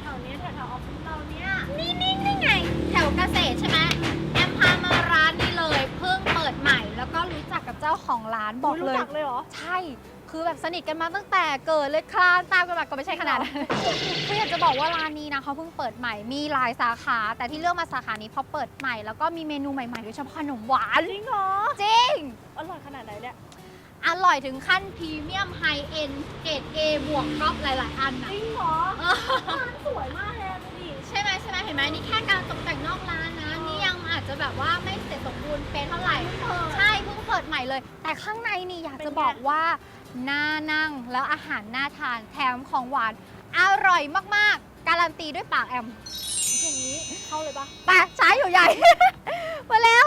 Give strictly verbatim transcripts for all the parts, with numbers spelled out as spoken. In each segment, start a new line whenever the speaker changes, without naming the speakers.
ถวๆนี้แถวๆออฟฟิศเราเนี่ย
นี่นี่นี่ไงแถวเกษตรใช่ไหมแอมพามาร้านนี้เลยเพิ่งเปิดใหม่แล้วก็รู้จักกับเจ้าของร้านบอกเลย
รู้จักเลยเหรอ
ใช่คือแบบสนิทกันมาตั้งแต่เกิดเลยคลานตามกันมาก็ไม่ใช่ขนาดนั้นคืออยากจะบอกว่าร้านนี้นะเขาเพิ่งเปิดใหม่มีหลายสาขา แต่ที่เลือกมาสาขานี้เพราะเปิดใหม่แล้วก็มีเมนูใหม่ๆโดยเฉพาะขนมหวาน
จริงเหรอ
จริง
อร่อยขนาดไหนเนี่ย
อร่อยถึงขั้นพรีเมียมไฮเอ็นเกรด A บวกก๊อปหลายๆอัน
จ
นะ
ริงเหรอ
เออ
ร้านสวยมากเลยดูดิ
ใช่ไหมใช่ไหมเห็นไหมนี่แค่การตกแต่งนอกร้านนะนี่ยังอาจจะแบบว่าไม่เสร็จสมบูรณ์เป๊ะเท่าไหร่ใช่เพิ่งเปิดใหม่เลย แต่ข้างในนี่อยากจะบอกว่าน่านั่งแล้วอาหารน่าทานแถมของหวานอร่อยมากๆ การันตีด้วยปากแอม
อย่างนี้เข้าเลยปะ
ไปใช้อยู่ใหญ่ มาแล้ว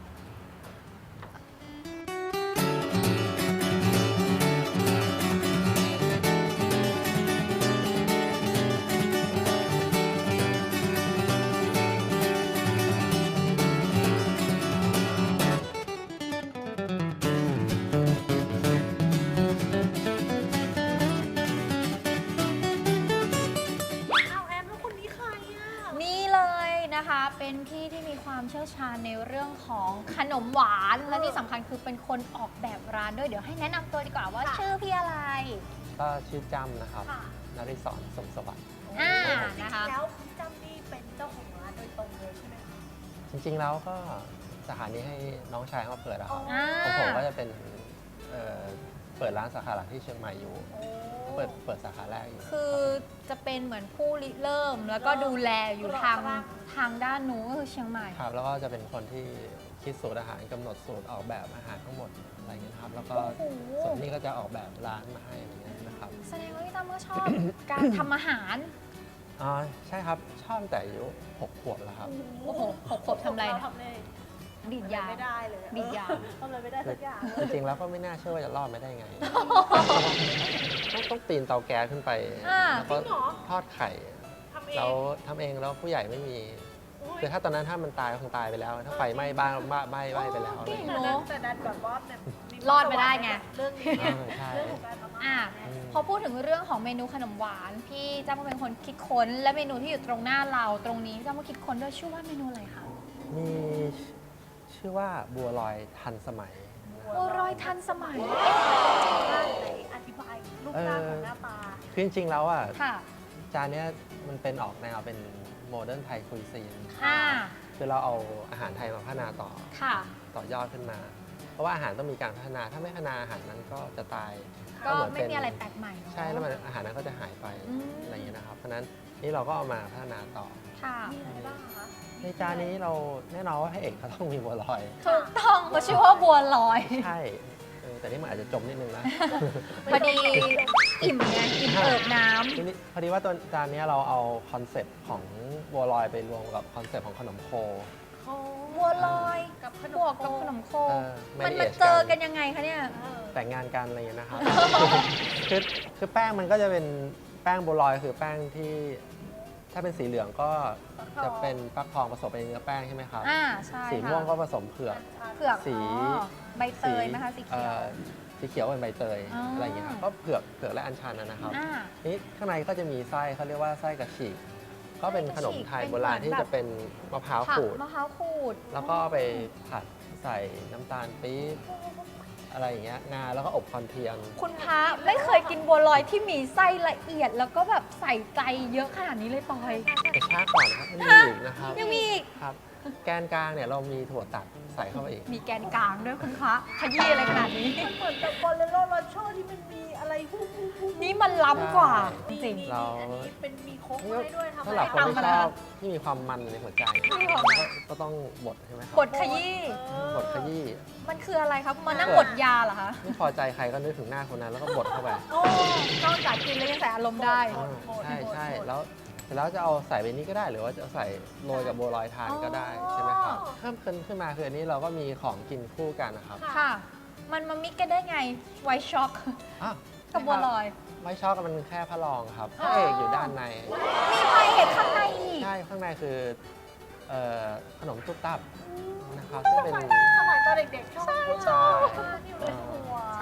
เอาแอมแล้วคนนี้ใครอ่ะ
นี่เลยนะคะ เป็นพี่ที่มีความเชี่ยวชาญในเรื่องของขนมหวาน และที่สำคัญคือเป็นคนออกแบบร้านด้วยเดี๋ยวให้แนะนำตัวดีกว่าว่าชื่อพี่อะไร
ก็ชื่อจำนะครับ
ค่ะ
นริศรสมสวัสดิ์
อ่า
จริง
นะคะ
ๆแล้วพี่จำนี่เป็นเจ้าของร้านโดยตรงเลยใช่ไหมคะ
จริงๆแล้วก็สาขานี้ให้น้องชายเขามาเปิดอะครับ
อ่า
ของผมก็จะเป็นเอ่อเปิดร้านสาขาหลักที่เชียงใหม่อยู่
โอ้
เปิดเปิดสาขาแรกอยู่
คือจะเป็นเหมือนผู้ริเริ่ม แล้วก็ดูแลอยู่ทางทางด้านนู้นก็คือเชียงใหม่
ครับแล้วก็จะเป็นคนที่คิดสูตรอาหารกำหนดสูตรออกแบบอาหารทั้งหมดอะไรเงี้ยนะครับ แล้วก็
โอ้โห
ส่วนนี้ก็จะออกแบบร้านมาให้อะไรเงี้ยนะครับ
แสดงว่าพี่ตั้มก็ชอบ การทำอาหาร
อ๋อใช่ครับชอบตั้งแต่อายุหกขวบแล้วครับ
โอ้โหหกขวบทำอะไรนะ
ทำเลย
ดีดยา
ไม่ได้เลย
ดีดยา
ทำอะไรไม่ได้สักอย่าง
จริงๆแล้วก็ไม่น่าเชื่อว่าจะรอดไม่ได้ไง ต้องต้องปีนเตาแก๊สขึ้นไป
อ่า
แล้วก็
จริงเหรอ
ทอดไข่
ทำเอง
เราทำเองแล้วผู้ใหญ่ไม่มี
อุ๊ย
คือถ้าตอนนั้นถ้ามันตายคงตายไปแล้ว ถ้าไฟไหม้บ้านบ้านไหม้ไหม้ไปแล้วอะไร
เก่ง
เงี้ย
แต่ดันแต่ดันแบบว่าแบบมี
รอดมาได้ไง
เรื่องนี้
เออใช่
เรื่องของการทำอา
อ่ะ
หาร
อืม
พอพูดถึงเรื่องของเมนูขนมหวาน พี่จ้าก็เป็นคนคิดค้น และเมนูที่อยู่ตรงหน้าเราตรงนี้จ้าก็คิดค้นด้วยชื่อว่าเมนูอะไรคะ
มีชื่อว่าบัวลอยทันสมัยนะครับ
บัวรอยทันสมัย
ไหนอธิบายรูปร่างของหน้าตา
คือจริงๆแล้วอ่ะ
ค่ะ
จานเนี้ยมันเป็นออกแนวเป็นโมเดิร์นไทยคุยซีน
อ่า
คือเราเอาอาหารไทยมาพัฒนาต่อ
ค่ะ
ต่อยอดขึ้นมา เพราะว่าอาหารต้องมีการพัฒนา ถ้าไม่พัฒนาอาหารนั้นก็จะตาย
ก็
เหน
ไม่
เป็น
มีอะไรแปลกใหม่เนอะ
ใช่แล้วมันอาหารนั้นก็จะหายไป
อืม
อะไรอย่างเงี้ยนะครับ เพราะฉะนั้นนี่เราก็เอามาพัฒนาต่อ
ค่ะ
มีอะไรบ้างคะ
ในจานนี้เราแน่นอนว่าพระเอกเขาต้องมีบัวลอย
ถูกต้องเขาชื่อว่าบัวลอย
ใช่เออแต่นี่มันอาจจะจมนิดนึงนะ
พอดีอิ่มไงอิ่มเอิบน้
ทีนี้พอดีว่าตัวจานนี้เราเอาคอนเซ็ปต์ของบัวลอยไปรวมกับคอนเซ็ปต์ของขนมโค
ำบัวลอย
กับขน
บ
ม
วกกับขนมโค
เออ
มัน
marriage
มาเจอกันยังไงคะเนี่ย
เออ
แต่งงานกันอะไรอย่างเงี้ยนะครับ คือคือแป้งมันก็จะเป็นแป้งบัวลอยคือแป้งที่ถ้าเป็นสีเหลืองก็จะเป็นฟักทองผสมเป็นเนื้อแป้งใช่ไหมครับ
อ่าใช่
สี
ค่ะ
ม่วงก็ผสมเผือก
เผือก
สี
อ๋อใบเตยไหมคะสีเขียว
อ่อสีเขียวเป็นใบเตย
อ๋ออ
อะไรอย่างเงี้ยครับก็เผือกเผือกและอัญชันนะครับ
อ่า
นี่ข้างในก็จะมีไส้เขาเรียกว่าไส้กระฉีกก็เป็นขนมไทยโบราณที่จะเป็นมะพร้าว
ผัก
ขูด
มะพร้าวขูด
แล้วก็เอาไปผัดใส่น้ำตาลปี๊บอะไรอย่างเงี้ยงาแล้วก็อบคอนเทียม
คุณพระไม่เคยกินบัวลอยที่มีไส้ละเอียด แล้วก็แบบใส่ใจเยอะขนาดนี้เลยปอย
แต่ช้าก่อนครับมันมีอีกนะครับ
ยังมีอีก
ครับ แกนกลางเนี่ยเรามีถั่วตัดใส่เข้าไปอีก
มีแกนกลางด้วยคุณพระขยี้อะไรขนาดนี้
มันเหมือนกับบอลเลโรโรโชที่มันมีอะไรฮู้ฮู้ฮู้
นี่มันล้ำกว่าจ
นี่
ริง
นี่
เรา
อันนี้เป็นมีโค้กให้ด้วยทำ
สำหรับคน
ตาม
ที่
มา
ช
แล้ว
อบที่มีความมันในหัวใจ
มีความมัน
ก็ก็ต้องบดใช่ไหมครับ
บทขยี้
เออ
บดขยี้
มันคืออะไรครับมานั่งบทยาเหรอคะ
ไม่พอใจใครก็นึกถึงหน้าคนนั้นแล้วก็บดเข้าไป
โอ้นอกจากกินแล้วยังใส่อารมณ์ได้
อ่าใช่ใช่แล้วเสร็จแล้วจะเอาใส่ไปนี้ก็ได้ หรือว่าจะใส่โรยกับบัวลอยทานก็ได้ใช่ไหมครับเพิ่มขึ้นขึ้นมาคืออันนี้เราก็มีของกินคู่กันนะครับ
ค่ะ มันมามิกกันได้ไงไวช็อก
อ่ะ
กับบัวลอย
ไม่ชอบกันมันแค่พระรองครับพระเอกอยู่ด้านใน
มีไฟเห็ดข้างในอีก
ใช่ข้างในคือเอ่อขนมตุ๊บตับนะครับซึ่งเป็น
สมัยตอนเด็กๆชอบ
ใช่
ที่อยู่ในครัว
ใช่ มัน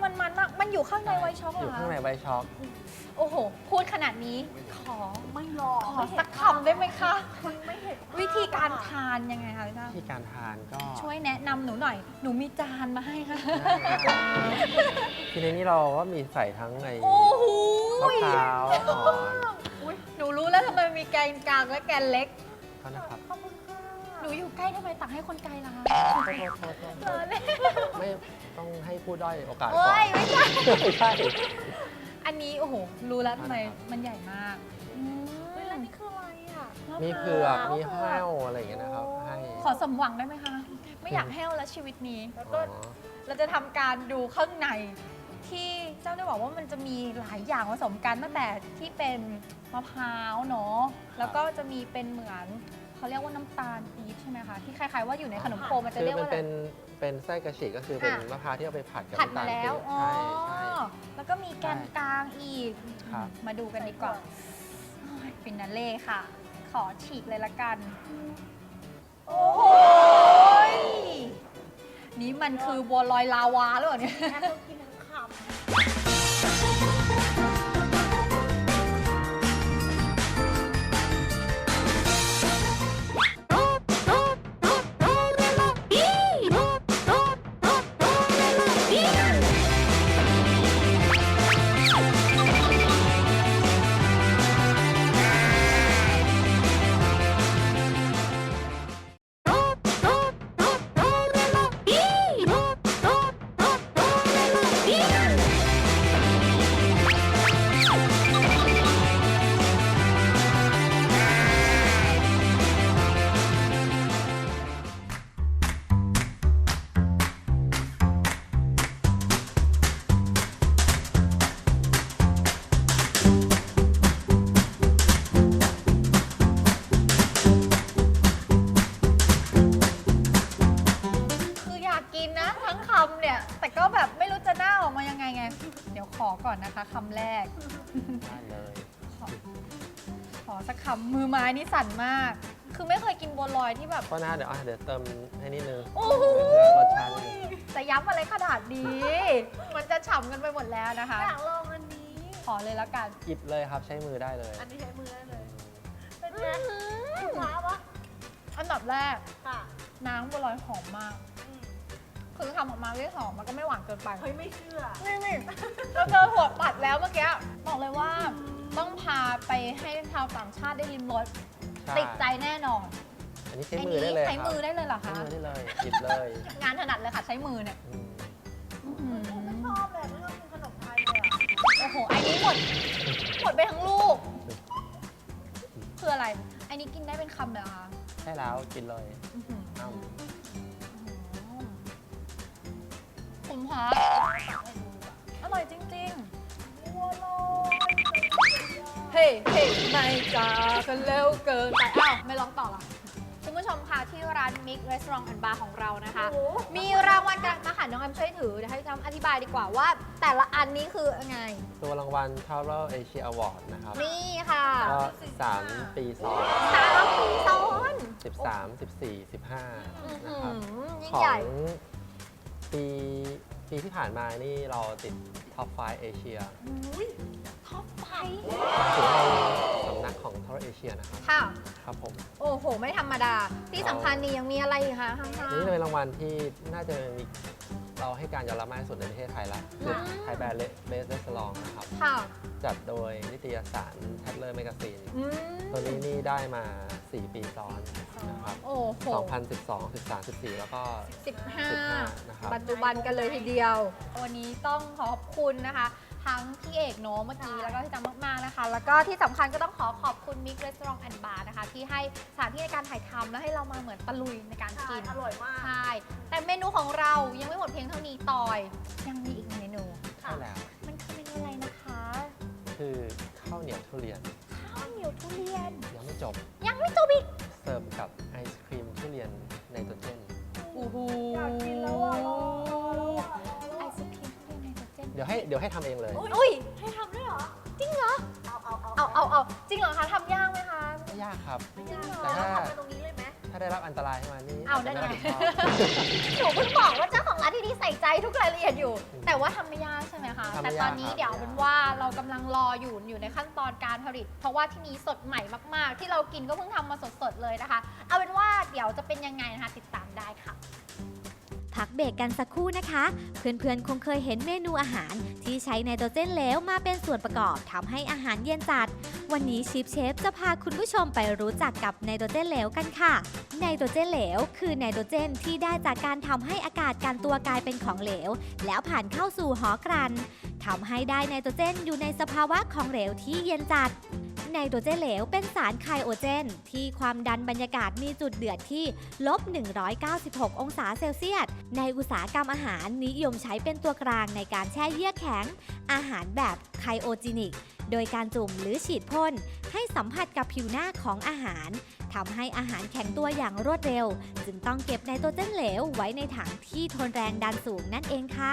มันมันมากมันอยู่ข้างในไวท์ช็อกเหร
อ
อยู่ คะ
ข้างในไวท์ช็อก
โอ้โห พูดขนาดนี้ขอ
ไม่รอ
ขอสักคำได้ไหมคะ
มันไม่เห็น
วิธีการทานยังไงคะพี่ตั้ม
ที่การทานก็
ช่วยแนะนำหนูหน่อย หนูมีจานมาให้ค่ะ
ได้ได้ทีในนี้เราก็มีใส่ทั้งไอ้
โอ้โห
มะพร้าวอ่อน
อุ๊ยหนูรู้แล้วทำไมมีแกนกลางและแกนเล็ก
ก็นะครับ
ขอบคุณค่ะ
หนูอยู่ใกล้ทำไมตักให้คนไกลล่ะคะ
โทษโทษโทษโทษไม่ต้องให้ผู้ด้อยโอกาสก่
โอ้
อน
ยไม่ใช่
ไม่ใช่
อันนี้โอ้โห รู้แล้วทำไม
ครับ
มันใหญ่มาก
เฮ้ยแล้วนี่คืออะไรอ่ะ
มีเผือกมีแห้วอะไรอย่างเงี้ยนะครับ ให้
ขอสมหวังได้ไหมคะ ไม่อยากแห้วแล้วชีวิตนี้
แล้ว
อ๋
ก็
อ
เราจะทำการดูข้างในที่เจ้าได้บอกว่ามันจะมีหลายอย่างผสมกันตั้งแต่ที่เป็นมะพร้าวเนาะแล้วก็จะมีเป็นเหมือนเขาเรียกว่าน้ำตาลปี๊บใช่ไหมคะที่คล้ายๆว่าอยู่ในขนมโคมันจะ
คือ
เรียก
มัน
ว่าอะไร
เป็นเป็นไส้กระฉีกก็คือเป็น
ค่ะ
มะพร้าวที่เอาไปผัดกับ
ผัด
น้ำ
มา
ตาล
แล้ว
ปี๊บ
อ๋อ
ใช่ใช่
แล้วก็มีแกนกลางอีก
ครับ
มาดูกันดีกว่าฟินาเล่ค่ะ ขอฉีกเลยละกัน โอ้โหยนี่มันคือบัวลอยลาวาหรือเปล่าเนี่ย
แค่ต้องกินทั้งคำ
คืออยากกินนะทั้งคำเนี่ย แต่ก็แบบไม่รู้จะหน้าออกมายังไงไง เดี๋ยวขอก่อนนะคะคำแรก
ได้เลย
ขอขอสักคำมือไม้นี่สั่นมาก คือไม่เคยกินบัวลอยที่แบบ
ก็นะเดี๋ยวอ่ะเดี๋ยวเติมให้นิดนึง
โอ้โห
เพื่อรสชาตินิดนึง
จะย้ำอะไรขนาดนี้ มันจะฉ่ำกันไปหมดแล้วนะคะ
อยากลองอันนี้
ขอเลยแล้วกัน
หยิบเลยครับใช้มือได้เลย
อันนี้ใช้มือได้เลย เป็นไง
อืม
คุณว้าวะ
อันดับแรก
ค่ะ
น้ำบัวลอยหอมมาก
อืม
คือทำออกมาไม่หอมมันก็ไม่หวานเกินไป
เฮ้ยไม่เชื่อ
นี่นี่เราเจอหัวปัดแล้วเมื่อกี้ บอกเลยว่าต้องพาไปให้ชาวต่างชาติได้ลิมรส
ใช่
ติดใจแน่นอน
อันนี้ใช้มือได้เลย
ใช้
ครับ
มือได้เลยเหรอ
ใช้
คะ
มือได้เลยหยิบเลย
งานถนัดเลยค่ะใช้มือเนี่ย
อืม
อื้อหือ
ไม่ชอบเลยไม่ชอบกินขนมไทยเลยอะ
โอ้โหอันนี้หมดหมดไปทั้งลูก คืออะไร อันนี้กินได้เป็นคำเลยเหรอคะ
ใช่แล้วกินเลย
อื้อหือ
อ้าว
คุณพระอร่อยจริง
บัวลอย
ๆ เฮ้เฮ้ไม่จ้ากันเร็วเกินไป อ้าว ไม่ร้องต่อละคุณผู้ชมค่ะที่ร้าน Mix Restaurant and Bar ของเรานะคะ
โอ้โห
มีรางวัลกันมาค่ะน้องแอมช่วยถือเดี๋ยวให้จำอธิบายดีกว่าว่า แต่ละอันนี้คือยังไง
ตัวรางวัล Travel Asia Award นะครับ
นี่ค่ะ
ก็สามปีซ้อน
สามปีซ้อน
สิบสาม สิบสี่ สิบห้า
อื้อ
นะ
หื
ครับ
อยิ่ง
ขอ
ใหญ่
งปีปีที่ผ่านมานี่เราติดท็อปไฟว์เอเชีย
อุ้ย
ท็อปไฟ
ถึงในสำนักของ Travel Asia นะครับ
ค่ะ
ครับผม
โอ้โห ไม่ธรรมดา ที่สำคัญนี่ยังมีอะไรอีกคะข้าง
นี่จะเป็นรางวัลที่น่าจะมีเราให้การยอมรับมากที่สุดในประเทศไทยละคือไทยแบรนด์เบสเ s สลองนะครับ
ๆค่ะ
จัดโดยนิตยสาร Tatler Magazine
อืม
ตัวนี้นี่ได้มา สี่ ปีซ้อนนะครับ
โอ้โห
สองพันสิบสอง สิบสาม สิบสี่ แล้วก็
สิบห้า
สิบห้านะครับ
ปัจจุบันกันเลยทีเดียว วันนี้ต้องขอบคุณนะคะ ทั้งพี่เอกโนเมื่อกี้แล้วก็พี่จำมากๆนะคะ แล้วก็ที่สำคัญก็ต้องขอขอบคุณ Mix Restaurant and Bar นะคะ ที่ให้สถานที่ในการถ่ายทำและให้เรามาเหมือนตะลุยในการ
ใช่
กิน
อร่อยมาก
ใช่ แต่เมนูของเรายังไม่หมดเพียงเท่านี้ตอย ยังมีอีกเมนู
ใช่แล้ว
มันคือเมนูอะไรนะคะ
คือข้าวเหนียวทุเรียน
ข้าวเหนียวทุเรียน
ยังไม่จบ
ยังไม่จบอีก
เสิร์ฟกับไอศครีมทุเรียนไนโตรเจน
โอ้โห
อยากกินแล้วอ่ะรอรอรอรอ
ไอศครีมทุเรียนไนโตรเจน
เดี๋ยวให้เดี๋ยวให้ทำเองเลย
อุ้ย
ให้ทำด้วยเหรอ
จริงเหรอ
เอาเอาเอา
เอาเอาเอาจริงเหรอคะทำยากไหมคะ
ไม่ยากครับ
ไม่ยาก
แต่ถ้า
ทำไปตรงนี้เลยไหม
ถ้าได้รับอันตรายขึ้นมานี่
เอาได้
จะ
ไง
ม่รับผิดชอบ
หนูเพิ่งบอกว่าเจ้าของร้านที่ดีใส่ใจทุกรายละเอียดอยู่ แต่ว่าทำไม่ยาก
ำ
แต่
ไม่
ต
ยา
อก นนี้
ครับ
เดี๋ยวเป็นว่าเรากำลังรออยู่อยู่ในขั้นตอนการผลิต เพราะว่าที่นี้สดใหม่มากๆ ที่เรากินก็เพิ่งทำมาสดๆเลยนะคะ เอาเป็นว่าเดี๋ยวจะเป็นยังไงนะคะติดตามได้ค่ะ
พักเบรกกันสักครู่นะคะ เพื่อนๆ คงเคยเห็นเมนูอาหารที่ใช้ไนโตรเจนเหลวมาเป็นส่วนประกอบทำให้อาหารเย็นจัด วันนี้ชิฟเชฟจะพาคุณผู้ชมไปรู้จักกับไนโตรเจนเหลวกันค่ะ ไนโตรเจนเหลวคือไนโตรเจนที่ได้จากการทำให้อากาศกันตัวกลายเป็นของเหลว แล้วผ่านเข้าสู่หอกลั่นทำให้ได้ไนโตรเจนอยู่ในสภาวะของเหลวที่เย็นจัด ไนโตรเจนเหลวเป็นสารไคโอเจนที่ความดันบรรยากาศมีจุดเดือดที่ลบหนึ่งร้อยเก้าสิบหกองศาเซลเซียส ในอุตสาหกรรมอาหารนิยมใช้เป็นตัวกลางในการแช่เยือกแข็งอาหารแบบไคโอจินิก โดยการจุ่มหรือฉีดพ่นให้สัมผัสกับผิวหน้าของอาหารทำให้อาหารแข็งตัวอย่างรวดเร็ว จึงต้องเก็บไนโตรเจนเหลวไว้ในถังที่ทนแรงดันสูงนั่นเองค่ะ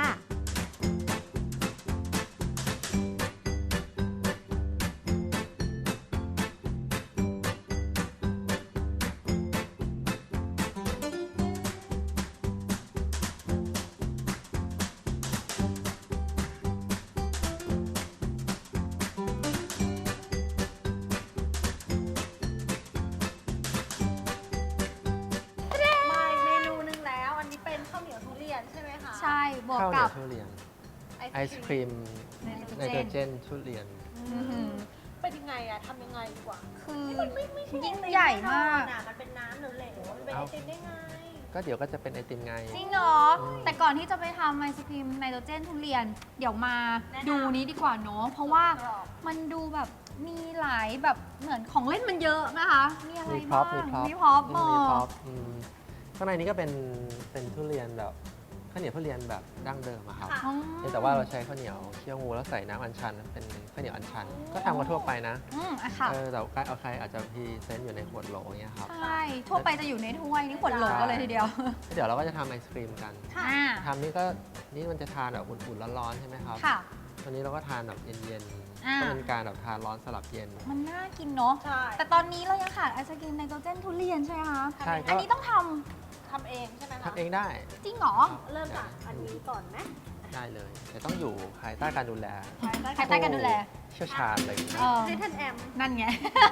มาอีกเมนูหนึงแล้ว อันนี้เป็นข้าวเหนียวทุเรียนใช่ไหมคะ
ใช่บวก
ข้าวเหนี
กั
ย
บ
วทุเรียน
ไอ
ไอศ
ศ
ค
ครีม
รีม
ไน
ไน
โต
โต
ร
ร
เจ
เจ
น
นทุเรียน
อื้อหือ
เป็นยังไงอะทำยังไงดีกว่า
คือ
มันไม่ไม่ใช่
ยิ่ง
ไอติม
ใหญ่
แน่น
มา
อก นอะมันเป็นน้ำเหลวๆมันเป็นไอ
เอ้า
ติมได้ไง
ก็เดี๋ยวก็จะเป็นไอติมไง
จริงเหรอ
อืม
แต่ก่อนที่จะไปทำไอศครีมไนโตรเจนทุเรียน เดี๋ยวมา
แนะนำ
ดูนี้ดีกว่าเนาะเพราะว่า
กรอบ
มันดูแบบมีหลายแบบเหมือนของเล่นมันเยอะนะคะ มีอะไร
มีพร็อ
บ้า
พ
ง
มีพร็อพ
มีพร็อพ
มีพร็อ
บ
พอืมข้างในนี้ก็เป็นเป็นทุเรียนแบบข้าวเหนียวทุเรียนแบบดั้งเดิมอะครับ
ค่ะ
อ๋อ
เพียงแต่ว่าเราใช้ข้าวเหนียวเคี่ยวงูแล้วใส่น้ำอัญชันเป็นข้าวเหนียวอัญชัน ก็ทำกันทั่วไปนะ
อืมอะค่ะ
เออแต่ว่าเอาใครอาจจะพรีเซนต์อยู่ในขวดโหลอย่างเงี้ยครับ
ใช่ ทั่วไปจะอยู่ในถ้วยนี่ขวดโหลกันเลยทีเดียว
แล้วเดี๋ยวเราก็จะทำไอศครีมกัน
อ่า
ทำนี่ก็นี่มันจะทานแบบอุ่นๆร้อนๆใช่ไหมครับ
ค่ะ
วันนี้เราก็ทานแบบเย็น
อ่า
ๆก็เป็นการแบบทานร้อนสลับเย็น
มันน่ากินเนาะ
ใช่
แต่ตอนนี้เรายังขาดไอศกรีมไนโตรเจนทุเรียนใช่ไหมคะ
ใช่
อั
ก็
นนี้ต้องท
ทำเองใช่ไหมคะ
ทำเองได้
ำจริงเหรอ
เริ่มจากอันนี้ก่อนไหม
ได้เลย แต่ต้องอยู่ภายใต้การดูแล
ภายใต้การดูแล
เชี่ยวชาญเลยนะ
เออ
ให้ท่านแอม
นั่นไง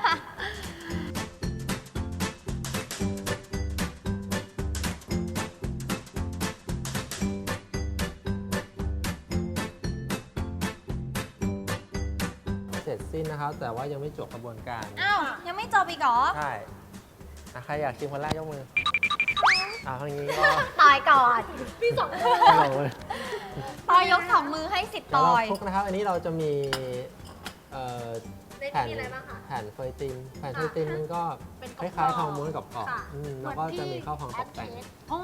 เสร็จสิ้นนะครับ แต่ว่ายังไม่จบกระบวนการ
อ้าว ยังไม่จบอีกเหรอ
ใช่อ่ะใครอยากชิมคนแรกยกมืออ่าทางนี้ก็
ตอยก่อน
พี่สองคน
ลงเลย
ตอยยกสองมือให้สิทธิ์
เดี๋
ต
ยวเรา
อย
คลุกนะครับ อันนี้เราจะมีเอ่อ
ใน
แผ่น
นี้มีอะไรบ้างคะ
แผ่นเฟยตินแผ่นเฟ
ค่ะ
ยตินมันก็
เป็น
ค
กรอบๆ
ล้ายๆทองม้วนกับกรอบ
ค่ะ
ๆอืมแล้วก็จะมีข้าวพองตกแต่ง
เหมือนที่
อ๋อ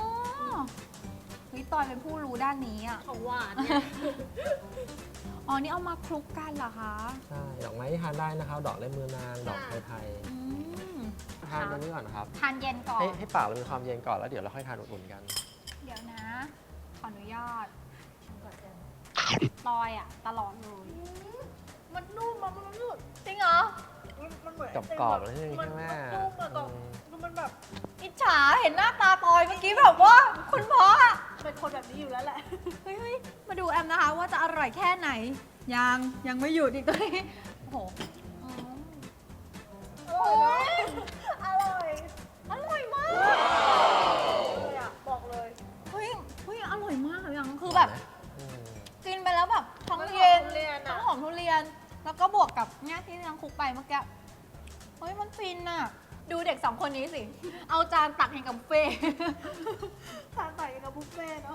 วิตอยเป็นผู้รู้ด้านนี้อ่ะ
ของหวานเนี่ย
อ๋อ นี่เอามาคลุกกันเหรอคะ
ใช่ ดอกไม้ที่ทานได้นะครับ ดอกเล่มมือนาง ดอกไทยไทย
อืม
ทานตัวนี้ก่อนนะครับ
ทานเย็นก่อน
ให้ให้ปากเรามีความเย็นก่อนแล้วเดี๋ยวเราค่อยทานอุ่นๆกัน
เดี๋ยวนะ ขออนุญาตตอยอ่ะ ตลอดเลย
มันนุ่มอะมันนุ่ม
จริงเหรอ
มันมันเหมือน
กับกรอบๆเลยใช่ไหม
มัน
แม่
มันนุ่มอะกรอบ
อืม
คือมันแบบ
อิจฉาเห็นหน้าตาตอยเมื่อกี้แบบว่า คุณพ่ออะ
เป็นคนแบบนี้อยู่แล้วแหละ
เฮ้ยเฮ้ยมาดูแอมนะคะ ว่าจะอร่อยแค่ไหน ยังยังไม่หยุดอีกตัวนี้ โอ้โหอืม
อร่อยนะอร่อย
อร่อยมาก
เลยอะบอกเลย
เฮ้ยเฮ้ยอร่อยมากเลยยังคือแบบ
อืม
กินไปแล้วแบบทั้งเย็น
ทั้งหอมทุเรียนอะ
ทั้งหอมทุเรียน แล้วก็บวกกับเนี่ยที่ยังคลุกไปเมื่อกี้เฮ้ยมันฟินอะดูเด็กสองคนนี้สิ เอาจานตักให้กับบุฟเฟ่
ทานต่อยกับบุฟเฟ่ต์เนาะ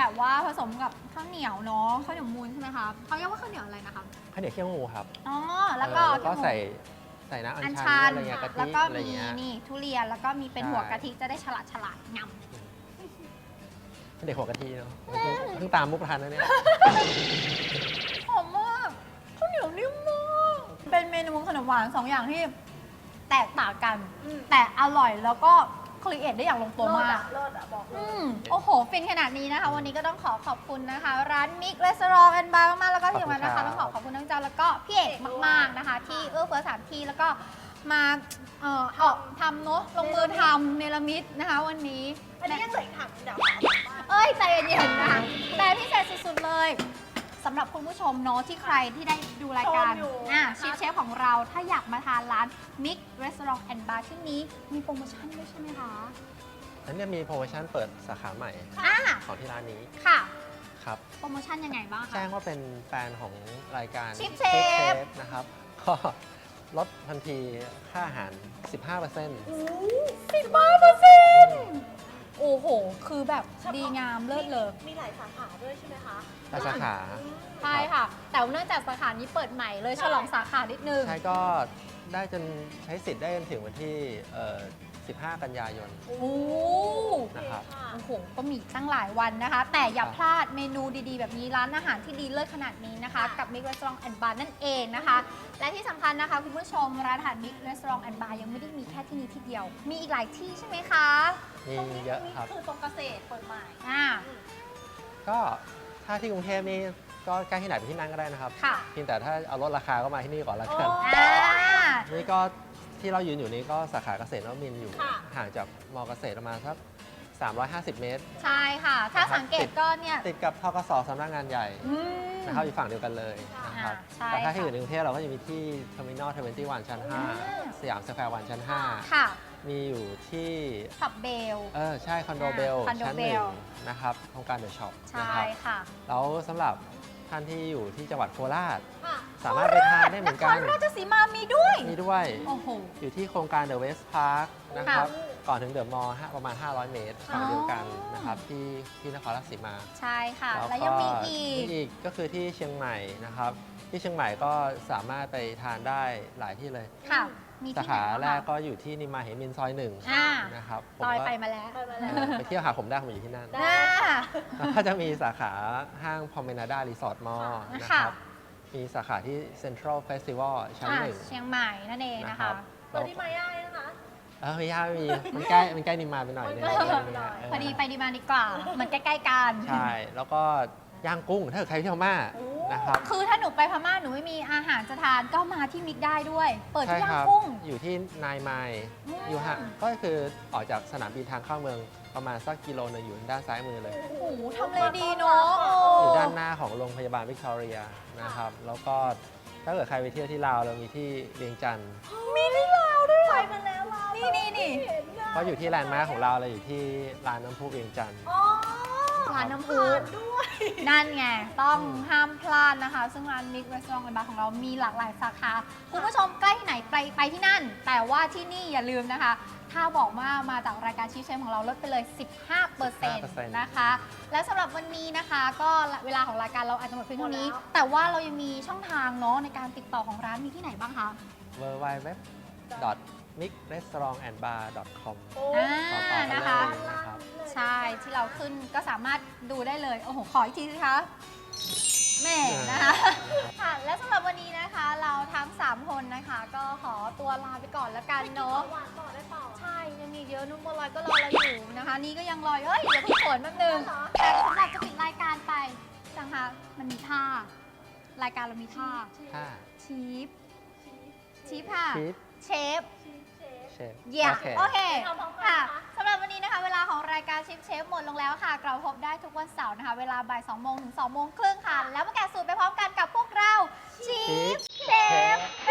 แบบว่าผสมกับข้าวเหนียวเนาะข้าวเหนียวมูนใช่ไหมคะเขาเรียกว่าข้าวเหนียวอะไรนะคะ
ข้าวเหนียวเคี่ยวงูครับ
อ๋อแล้วก็
เออแล้วก็ใส่ใส่น้ำอั
อั
ญ
ญ
ชั
ชั
น
น
อะไรเงี้ยกะ
แล้ว
ทิ
ก็
อะไร
มี
เงี้ย
นี่ทุเรียนแล้วก็มีเป็น
ใช่
หัวกะทิจะได้ฉลาดฉลาดง
เด็กหัวกะทิเนาะเพิ่งเพิ่งตามมุกทันนะเนี่ย
ำหอมมากข้าวเหนียวนิ่มมากเป็นเมนูขนมหวานสองอย่างที่แตกต่างกัน
อืม
แต่อร่อยแล้วก็ครีเอทได้อย่างลงตัว
เลิศ
มาก
อะเลิศอะบอกเล
อื
ย
มโอ้โห ฟินขนาดนี้นะคะ วันนี้ก็ต้องขอขอบคุณนะคะ ร้านมิกรีสอร์ทแอนด์บาร์มากๆแล้วก็ที่สำคัญนะคะ
ขอบคุณครับ
ต้องขอขอบคุณน้องจาแล้วก็พี่เอกมากๆนะคะ ที่เอื้อเฟื้อสถานที่แล้วก็มาเอ่อออกทำเนอะลงมือทำเนรมิตนะคะ วันนี้
อันนี้ยังเหลืออีกถังเดี๋ยว
เอ้ยใจเย็นๆนะคะแต่พิเศษสุดๆเลยสำหรับคุณผู้ชมเนาะที่ใครที่ได้ดูรายการอ่ะชิฟเชฟของเราถ้าอยากมาทานร้านมิกรีสอร์ทแอนด์บาร์ที่นี้มีโปรโมชั่นด้วยใช่ไหมคะ
อันเนี้ยมีโปรโมชั่นเปิดสาขาใหม่
อ่า
ของที่ร้านนี้
ค่ะ
ครับ
โปรโมชั่นยังไงบ้างคะ
แจ้งว่าเป็นแฟนของรายการ
Chip
Chip
Chef
Chef นะครับ ก็ลดทันทีค่าอาหาร สิบห้าเปอร์เซ็นต์
สิบห้าเปอร์เซ็นต์โอ้โห คือแบบดีงามเลิศเลย
มีหลายสาขาด้วยใช่ไหมคะ
แต่สาขา
ใช่ค่ะ แต่เนื่องจากสาขานี้เปิดใหม่เลยฉลองสาขานิดนึง
ใช่ก็ได้จนใช้สิทธิ์ได้จนถึงวันที่เอ่อสิบห้า กันยายน
โอ้โห
นะครับ
โอ้โห ก็มีตั้งหลายวันนะคะ แต่อย่าพลาดเมนูดีๆ แบบนี้ร้านอาหารที่ดีเลิศขนาดนี้นะคะ กับ Mix Restaurant and Bar นั่นเองนะคะ และที่สำคัญนะคะ คุณผู้ชมร้านอาหาร Mix Restaurant and Bar ยังไม่ได้มีแค่ที่นี้ที่เดียว มีอีกหลายที่ใช่ไหมคะ
มีเยอะครับ
คือตรงเกษตรเปิดใหม่
อ่า
ก็ถ้าที่กรุงเทพนี่ก็ใกล้ที่ไหนไปที่นั่นก็ได้นะครับ
ค่ะ
เพียงแต่ถ้าเอาลดราคาก็มาที่นี่ก่อนละกัน
อ่า
นี่ก็ที่เรายืนอยู่นี้ก็สาขาเกษตรนวมินทร์อยู่
ค่ะ
ห่างจากมอเกษตรประมาณสักสามร้อยห้าสิบ เมตร
ใช่ค่ะ ถ้าสังเกตก็เนี่ย
ติดกับทกสสำนักงานใหญ่
อืม
นะครับอยู่ฝั่งเดียวกันเลยนะครับ
อ่าใช่
แต่ถ้าที่
ค่ะ
อื่นในกรุงเทพเราก็จะมีที่ Terminal ทเวนตี้วัน ชั้น ห้า
อืม
สยามสแควร์วันชั้น ห้า
ค่ะ
มีอยู่ที่
ขับเบล
เออใช่คอนโดเบล
คอนโด
ชั้น
เบ
หนึ่
ล
งนะครับโครงการเดอะช็อป
ใช่
นะครับ
ค่ะ
แล้วสำหรับท่านที่อยู่ที่จังหวัดโคราช
ค่ะ
สามารถไปทานได้เหมือนกัน
นครราชสีมามีด้วย
มีด้วย
โอ้โห
อยู่ที่โครงการ The West Park นะครับ
ค่ะ
ก่อนถึงเดอะมอลล์ประมาณ ห้าร้อย เมตรฝั่งเดียวกันนะครับที่ที่นครราชสีมา
ใช่ค่ะ
แล้ว
แล้ว
ก็
ยังมีอีก
มีอีกก็คือที่เชียงใหม่นะครับ ที่เชียงใหม่ก็สามารถไปทานได้หลายที่เลย
ค่ะ มี
สา
ที่ไหน
ขา
บ้าง
แรก
คะ
ก็อยู่ที่นิมมานเหมินซอยหนึ่ง
อ่า
นะครับผม
ลอย
ก็
ไปมาแล้ว
ไปมา
เอ
แล้ว
อไปเที่ยวหาผมได้ผมอยู่ที่นั่น
ได้
น่า
แล้วก็จะมีสาขาห้างพอมเมนาดารีสอร์ทมอลล์นะ
ค่ะ
ครับ มีสาขาที่เซ็นทรัลเฟสติวัลชั้น
อ่ะ
หนึ่ง
เชียงใหม่นั่นเองนะ
นะครั
คะ
บ
ตอนที่มาย่านะคะ
เออไม่ยากไม่มี มันใกล้ มันใกล้นิมมานไปหน่อยนึง
มันใกล้นิมมานไปหน่อย
เ
พอดีไปดีมาดีกว่า มันใกล้ๆกัน
ใช่ แล้วก็ย่างกุ้ง ถ้าเกิดใครที่พม่า
โอ้
นะครับ
คือถ้าหนูไปพม่าหนูไม่มีอาหารจะทานก็มาที่มิกได้ด้วย เปิด
ใช่
ที่ย่า
ค
ง
รั
กุ้ง
อยู่ที่นายไมล์
อืม
อยู่ห่างก็คือออกจากสนามบินทางเข้าเมืองประมาณสักกิโลนึงอยู่ด้านซ้ายมือเลย
โอ้โหทำเลดีเนาะ
อยู่ด้านหน้าของโรงพยาบาลวิกตอเรียนะครับ แล้วก็ถ้าเกิดใครไปเที่ยวที่ลาวเรามีที่เวียงจันทร์
มีที่ลาวด้วย
ไปมาแล้วเรา
นี่นี่นี่
เห็นอะ
ก็อยู่ที่แลนด์มาร์คของเราเลยอยู่ที่ร้านน้ำพุเวียงจันทร์
อ๋อ
ร้านน้ำพุ
ทานด้วย
นั่นไง ต้อง
อืม
ห้ามพลาดนะคะ ซึ่งร้านมิกรีสอร์ทแอนด์บาร์ของเรามีหลากหลายสาขา คุณผู้ชมใกล้ที่ไหนไปไปที่นั่น แต่ว่าที่นี่อย่าลืมนะคะ ถ้าบอกว่ามาจากรายการชีฟเชฟของเราลดไปเลย สิบห้าเปอร์เซ็นต์ นะคะ และสำหรับวันนี้นะคะ ก็เวลาของรายการเราอาจจะหมดเพียงเท่านี้
หมดแล้ว
แต่ว่าเรายังมีช่องทางเนาะในการติดต่อของร้านมีที่ไหนบ้างคะ
w w wมิกเรสตอรองแอนด์บาร์ดอทคอม
โอ้
อ่า
ต่อต่อกัน
นะ
เล
คะ
ยนะครับ
ใช่ที่เราขึ้นก็สามารถดูได้เลย โอ้โห ขออีกทีสิคะแหม่นะคะ ค่ะ และสำหรับวันนี้นะคะ เราทั้ง สาม คนนะคะ ก็ขอตัวลาไปก่อนแล้วกันเนาะ
หวานต่อได้เปล่า
ใช่ ยังมีเยอะนุ่มบัวลอยก็รอเราอยู่นะคะ นี่ก็ยังรออยู่เอ้ย เดี๋ยวพี่ฝนแป๊บนึง
เหรอ
แต่สำหรับจะปิดรายการไปจังคะมันมีท่า รายการเรามีท่า
ถ้า
ชีฟชีฟค่ะ
ชีฟ
เชฟ
ชีสเชฟ
เชฟ
เยี่ยม
โอเค
โอเค
ทำพร้อมกัน
ค่ะ
นะคะ
สำหรับวันนี้นะคะ เวลาของรายการชิปเชฟหมดลงแล้วค่ะกลับมาพบได้ทุกวันเสาร์นะคะ เวลาบ่ายสองโมงถึงสองโมงครึ่งค่ะ แล้วมาแกะสูตรไปพร้อมกันกับพวกเราชิปเชฟ